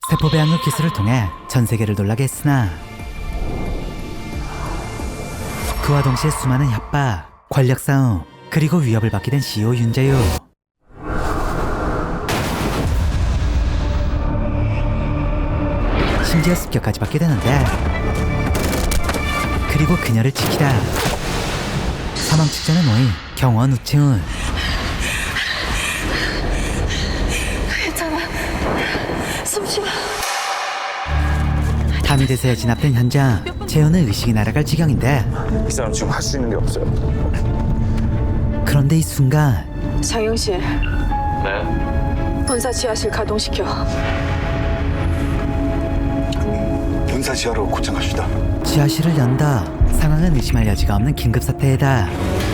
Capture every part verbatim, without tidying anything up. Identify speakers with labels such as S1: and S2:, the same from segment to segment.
S1: 세포 배양육 기술을 통해 전 세계를 놀라게 했으나 그와 동시에 수많은 협박, 권력 싸움, 그리고 위협을 받게 된 씨이오 윤자유. 심지어 습격까지 받게 되는데, 그리고 그녀를 지키다 사망 직전의 노인 경원 우채훈.
S2: 괜찮아. 숨쉬어.
S1: 다미대세에 진압된 현장, 재훈의 의식이 날아갈 지경인데,
S3: 이 사람 지금 할 수 있는 게 없어요.
S1: 그런데 이 순간
S2: 장영실,
S3: 네.
S2: 본사 지하실 가동시켜.
S4: 본사 지하로 곧장 갑시다.
S1: 지하실을 연다 상황은 의심할 여지가 없는 긴급사태이다.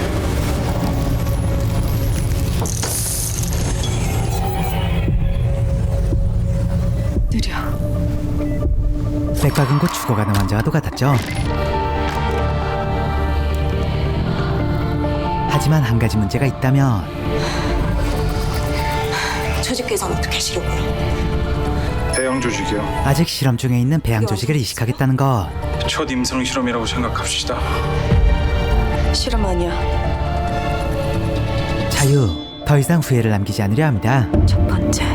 S2: 느려.
S1: 백박은 곧 죽어가는 환자와도 같았죠. 하지만 한 가지 문제가 있다면
S2: 조직 개선 어떻게 하시려고요?
S4: 대형 조직이요.
S1: 아직 실험 중에 있는 배양 조직을 이식하겠다는 것.
S3: 첫 임상 실험이라고 생각합시다.
S2: 실험 아니야.
S1: 자유, 더 이상 후회를 남기지 않으려 합니다.
S2: 첫 번째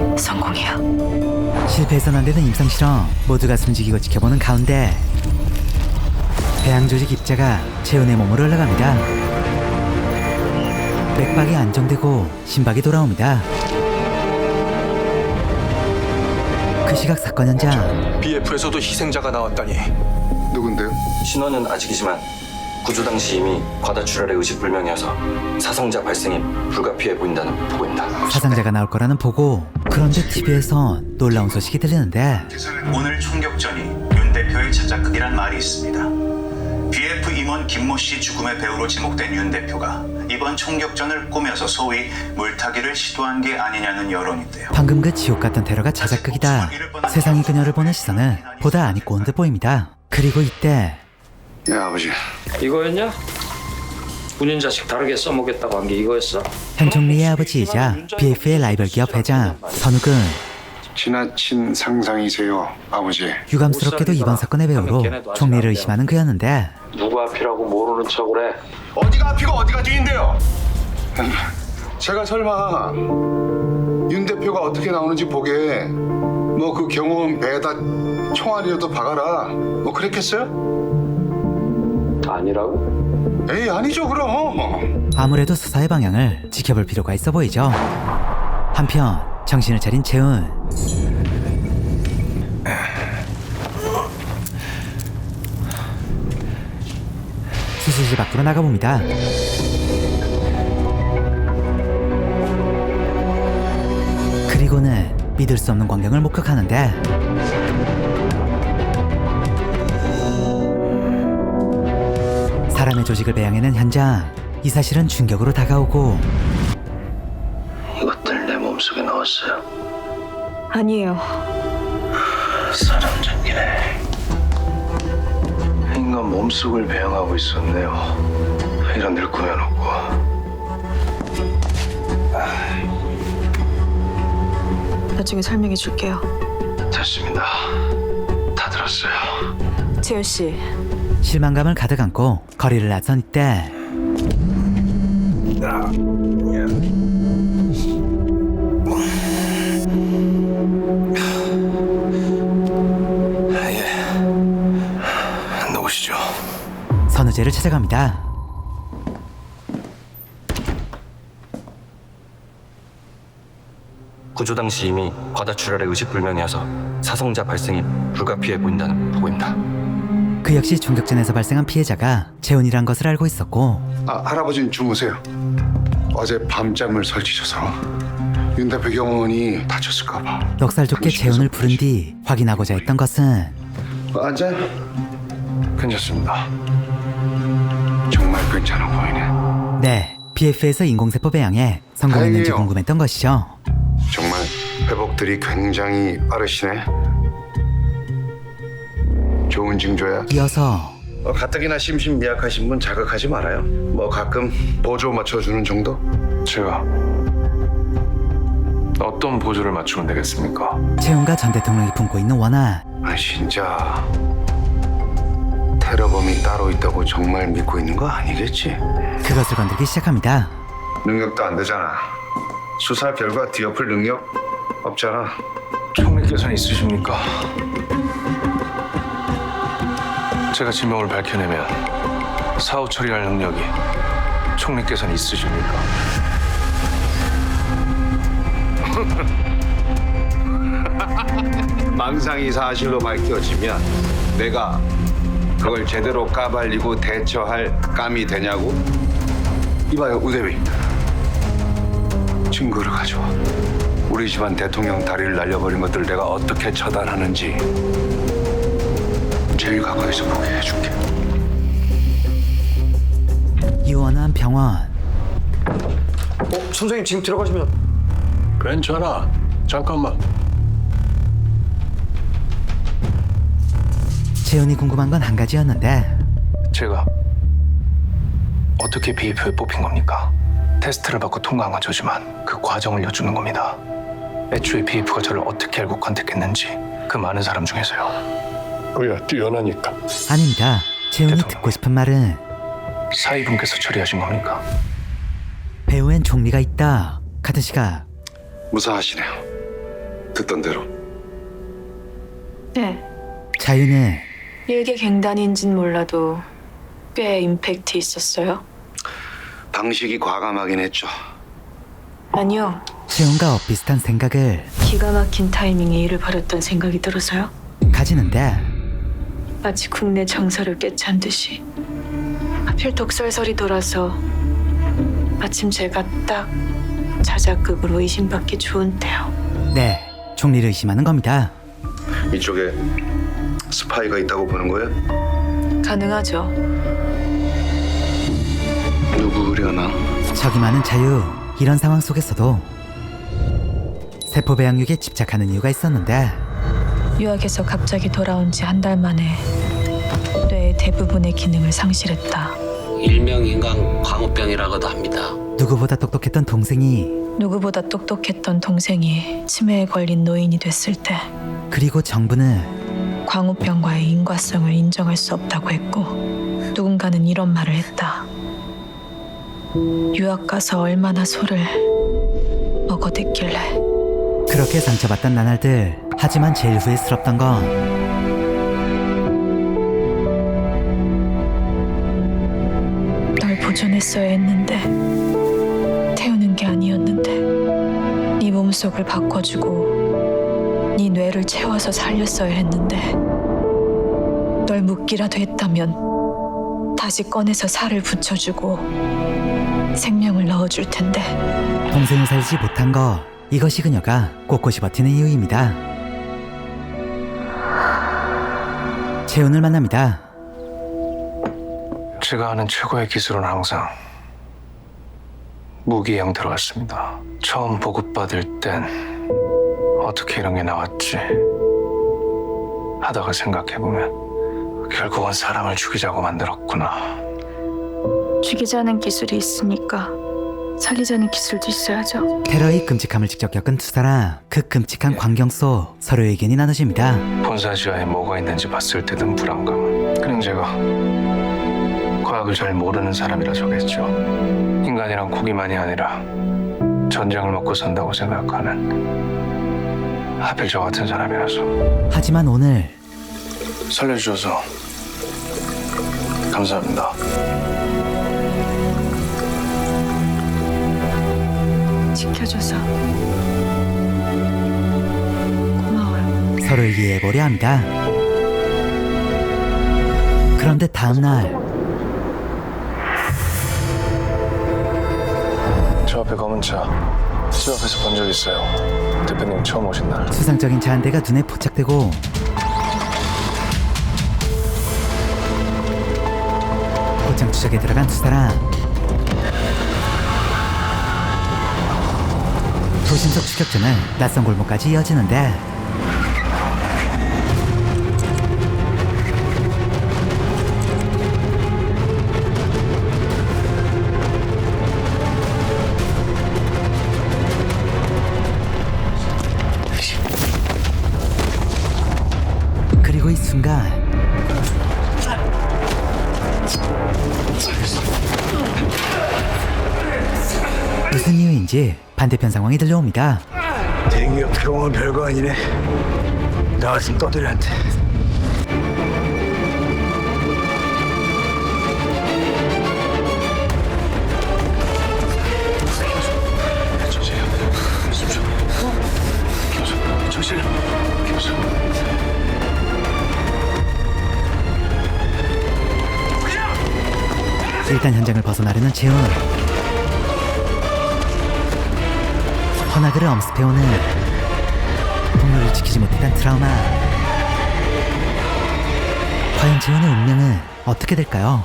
S2: 성공이야.
S1: 실패해서는 안 되는 임상실험, 모두가 숨지기고 지켜보는 가운데 배양 조직 입자가 재훈의 몸으로 흘러갑니다. 맥박이 안정되고 심박이 돌아옵니다. 그 시각 사건 현장.
S5: 비에프에서도 희생자가 나왔다니.
S4: 누군데요?
S6: 신원은 아직이지만 구조 당시 이미 과다출혈의 의식불명이어서 사상자 발생이 불가피해 보인다는 보고입니다.
S1: 사상자가 나올 거라는 보고. 그런데 티비에선 놀라운 소식이 들리는데,
S7: 오늘 총격전이 윤 대표의 자작극이란 말이 있습니다. 비에프 임원 김모 씨 죽음의 배우로 지목된 윤 대표가 이번 총격전을 꾸며서 소위 물타기를 시도한 게 아니냐는 여론인데요.
S1: 방금 그 지옥 같은 테러가 자작극이다. 세상이 그녀를 보는 시선은 보다 안 입고 온 듯 보입니다. 그리고 이때
S4: 네 아버지.
S8: 이거였냐? 군인 자식 다르게 써먹겠다고 한 게 이거였어?
S1: 현 총리의 아버지이자 비에프의 라이벌 기업 회장 선욱은
S4: 지나친 상상이세요 아버지.
S1: 유감스럽게도 이번 사건의 배우로 총리를 의심하는 그였는데,
S8: 누구 앞이라고 모르는 척을 해.
S4: 어디가 앞이고 어디가 뒤인데요? 제가 설마 윤 대표가 어떻게 나오는지 보게 뭐 그 경호원 배에다 총알이라도 박아라 뭐 그랬겠어요?
S8: 아니라고?
S4: 에이 아니죠 그럼.
S1: 아무래도 수사의 방향을 지켜볼 필요가 있어 보이죠. 한편 정신을 차린 재훈. 수술실 밖으로 나가봅니다. 그리고는 믿을 수 없는 광경을 목격하는데, 사람의 조직을 배양해낸 현장. 이 사실은 충격으로 다가오고,
S6: 이것들 내 몸속에 넣었어요.
S2: 아니에요.
S6: 사람 잡기네. 인간 몸속을 배양하고 있었네요. 이런 늘 꾸며놓고.
S2: 나중에 설명해 줄게요.
S6: 됐습니다. 다 들었어요.
S2: 재현 씨,
S1: 실망감을 가득 안고 거리를 나선 이때
S5: 예. 놓으시죠.
S1: 선우재를 찾아갑니다.
S6: 구조 당시 이미 과다출혈의 의식불명이어서 사상자 발생이 불가피해 보인다는 보고입니다.
S1: 그 역시 총격전에서 발생한 피해자가 재훈이란 것을 알고 있었고,
S4: 아 할아버지는 주무세요. 어제 밤잠을 설치셔서 윤 대표 경호원이 다쳤을까 봐.
S1: 넉살 좋게 재훈을 부른 뒤 확인하고자 했던 것은
S4: 앉아요. 괜찮습니다. 정말 괜찮아 보이네.
S1: 네, 비에프에서 인공세포 배양에 성공했는지
S4: 다행이에요.
S1: 궁금했던 것이죠.
S4: 정말 회복들이 굉장히 빠르시네. 좋은 징조야.
S1: 이어서
S4: 어, 가뜩이나 심신미약하신 분 자극하지 말아요. 뭐 가끔 보조 맞춰주는 정도? 제가
S5: 어떤 보조를 맞추면 되겠습니까?
S1: 채용과 전 대통령이 품고 있는 원한.
S4: 아 진짜 테러범이 따로 있다고 정말 믿고 있는 거 아니겠지?
S1: 그것을 건들기 시작합니다.
S4: 능력도 안 되잖아. 수사 결과 뒤엎을 능력 없잖아.
S5: 총리께서는 있으십니까? 제가 지명을 밝혀내면 사후 처리할 능력이 총리께서는 있으십니까?
S4: 망상이 사실로 밝혀지면 내가 그걸 제대로 까발리고 대처할 감이 되냐고? 이봐요 우대비, 증거를 가져와. 우리 집안 대통령 다리를 날려버린 것들 내가 어떻게 처단하는지 제일 가까이서 보게 해줄게.
S1: 이원한 병원.
S5: 어, 선생님 지금 들어가시면
S3: 괜찮아. 잠깐만.
S1: 채훈이 궁금한 건 한 가지였는데
S5: 제가 어떻게 비에프에 뽑힌 겁니까? 테스트를 받고 통과한 건 저지만 그 과정을 여쭈는 겁니다. 애초에 비에프가 저를 어떻게 알고 컨택했는지 그 많은 사람 중에서요.
S3: 뭐야, 뛰어나니까.
S1: 아닙니다. 채훈이
S5: 대통령.
S1: 듣고 싶은 말은
S5: 사위분께서 처리하신 겁니까?
S1: 배우엔 종리가 있다 같은 시각.
S4: 무사하시네요. 듣던 대로.
S2: 네.
S1: 자유는
S2: 일개 갱단인진 몰라도 꽤 임팩트 있었어요.
S4: 방식이 과감하긴 했죠.
S2: 아니요.
S1: 채훈과 엇비슷한 생각을
S2: 기가 막힌 타이밍에 일을 벌였던 생각이 들어서요.
S1: 가지는데
S2: 마치 국내 정서를 꿰찬 듯이. 하필 독설설이 돌아서 마침 제가 딱 자작극으로 의심받기 좋은 때요.
S1: 네, 종리를 의심하는 겁니다.
S4: 이쪽에 스파이가 있다고 보는 거예요?
S2: 가능하죠.
S4: 누구려나?
S1: 적이 많은 자유. 이런 상황 속에서도 세포 배양육에 집착하는 이유가 있었는데
S2: 유학에서 갑자기 돌아온 지 한 달 만에 뇌의 대부분의 기능을 상실했다.
S9: 일명 인간 광우병이라고도 합니다.
S1: 누구보다 똑똑했던 동생이
S2: 누구보다 똑똑했던 동생이 치매에 걸린 노인이 됐을 때
S1: 그리고 정부는
S2: 광우병과의 인과성을 인정할 수 없다고 했고 누군가는 이런 말을 했다. 유학 가서 얼마나 소를 먹어댔길래.
S1: 그렇게 상처받던 나날들. 하지만 제일 후회스럽던 건
S2: 널 보존했어야 했는데 태우는 게 아니었는데 네 몸속을 바꿔주고 네 뇌를 채워서 살렸어야 했는데 널 묻기라도 했다면 다시 꺼내서 살을 붙여주고 생명을 넣어줄 텐데.
S1: 동생을 살지 못한 거, 이것이 그녀가 꼿꼿이 버티는 이유입니다. 채훈을 만납니다.
S5: 제가 아는 최고의 기술은 항상 무기 형태로 왔습니다. 처음 보급받을 땐 어떻게 이런 게 나왔지 하다가 생각해보면 결국은 사람을 죽이자고 만들었구나.
S2: 죽이자는 기술이 있으니까 살리자는 기술도 있어야죠.
S1: 테러의 끔찍함을 직접 겪은 두 사람. 그 끔찍한 광경 속 서로의 의견이 나눠집니다.
S5: 본사지하에 뭐가 있는지 봤을 때 든 불안감. 그냥 제가 과학을 잘 모르는 사람이라 저겠죠. 인간이란 고기만이 아니라 전쟁을 먹고 산다고 생각하는, 하필 저 같은 사람이라서.
S1: 하지만 오늘
S5: 살려주셔서 감사합니다.
S2: 지켜줘서 고마워요.
S1: 서로를 이해해보려 합니다. 그런데 다음날
S5: 저 앞에 검은 차, 집 앞에서 본 적 있어요. 대표님 처음 오신 날.
S1: 수상적인 차 한 대가 눈에 포착되고 곧장 추적에 들어간 두 사람. 도심석 추격전은 낯선 골목까지 이어지는데 그리고 이 순간 무슨 이유인지 반대편 상황이 들려옵니다.
S10: 대기업 경험은 별거 아니네. 나 같은 떠들한테.
S1: 일단 현장을 벗어나려는 재훈. 허나그를 엄습해오는 동료를 지키지 못했던 트라우마. 과연 재훈의 운명은 어떻게 될까요?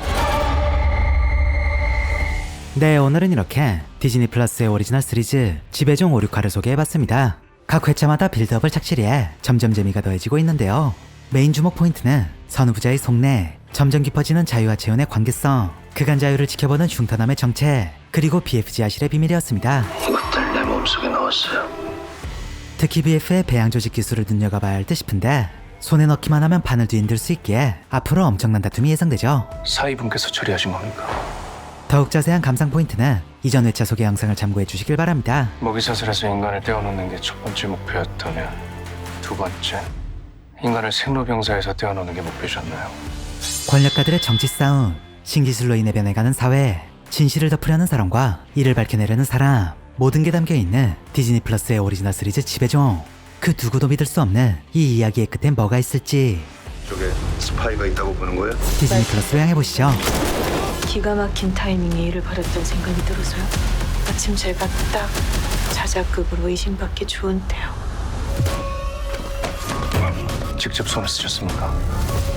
S1: 네, 오늘은 이렇게 디즈니 플러스의 오리지널 시리즈 지배종 오, 육화를 소개해봤습니다. 각 회차마다 빌드업을 착실히 해 점점 재미가 더해지고 있는데요. 메인 주목 포인트는 선후부자의 속내, 점점 깊어지는 자유와 재훈의 관계성, 그간 자유를 지켜보는 흉터남의 정체, 그리고 비에프지 아실의 비밀이었습니다.
S5: 이것들 내 몸속에 넣었어요.
S1: 특히 비에프의 배양 조직 기술을 눈여겨봐야 할 듯 싶은데 손에 넣기만 하면 판을 뒤흔들 수 있기에 앞으로 엄청난 다툼이 예상되죠.
S5: 사위분께서 처리하신 겁니까?
S1: 더욱 자세한 감상 포인트는 이전 회차 소개 영상을 참고해 주시길 바랍니다.
S5: 먹이사슬에서 인간을 떼어놓는 게 첫 번째 목표였다면 두 번째, 인간을 생로병사에서 떼어놓는 게 목표셨나요?
S1: 권력가들의 정치 싸움, 신기술로 인해 변해가는 사회, 진실을 덮으려는 사람과 이를 밝혀내려는 사람, 모든 게 담겨있는 디즈니 플러스의 오리지널 시리즈 지배종. 그 누구도 믿을 수 없는 이 이야기의 끝엔 뭐가 있을지
S4: 저게 스파이가 있다고 보는 거야?
S1: 디즈니 플러스로 향해보시죠.
S2: 기가 막힌 타이밍에 일을 벌였던 생각이 들어서요. 마침 제가 딱 자작극으로 의심받기 좋은 때요.
S5: 직접 손을 쓰셨습니까?